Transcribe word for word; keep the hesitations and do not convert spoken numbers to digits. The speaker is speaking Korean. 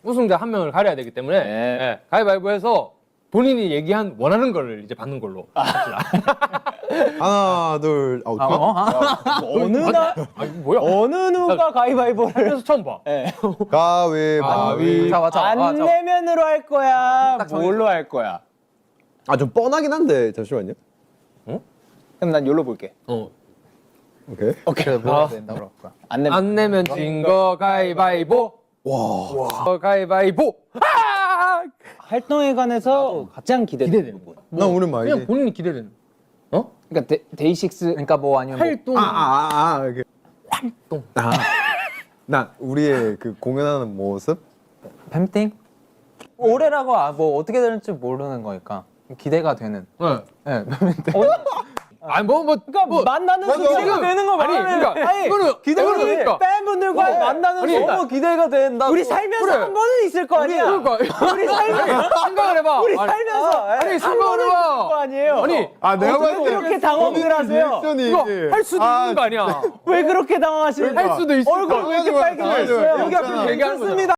우승자 한 명을 가려야 되기 때문에 네. 예, 가위바위보해서 본인이 얘기한 원하는 거를 이제 받는 걸로. 하나, 둘, 아, 아, 어? 아, 어느 날 아니 뭐야? 어느 누가 가위바위보를 그래서 처음 봐. 네. 가위바위. 자, 맞아. 안 아, 자. 내면으로 할 거야? 딱 정해져. 뭘로 할 거야? 아, 좀 뻔하긴 한데, 잠시만요. 그럼 난 요로 볼게. 어. 오케이. 오케이. 뭐야 된다고. 안 내면 안 내면 진 거 가위바위보. 와. 어, 가위바위보. 아! 활동에 관해서 가장 기대되는 부분. 나 오늘 많이. 그냥 본인이 기대되는. 어? 그러니까 데, 데이식스 그러니까 뭐 아니면 뭐 활동. 아, 아, 아, 아, 이렇게. 활동. 아. 나 우리의 그 공연하는 모습? 뱀띵? 올해라고 아, 뭐 어떻게 될지 모르는 거니까 기대가 되는. 네. 네. 아니 뭐 뭐. 그러니까 뭐, 만나는 맞아. 순간 지금- 되는 거 아니, 말하면 그러니까 아니, 이거는 기대가 이거는 돼. 그러니까. 팬분들과 그래. 만나는 아니, 순간 너무 기대가 된다. 우리 살면서 그래. 한 번은 있을 거 아니야. 그러니까 우리 살면서 생각을 해봐. 우리 아니, 살면서 아니 한 생각을 번은 있을 거 해봐. 아니에요. 아니 아, 내가 왜 그렇게 당황을 하세요? 리액션이. 이거 할 수도 있는 거 아니야. 왜 그렇게 당황하시는 할 수도 있을 얼굴 거. 왜 이렇게 맞아, 맞아. 빨개졌어요? 맞아, 여기 앞에 맞아. 얘기하는 거잖아.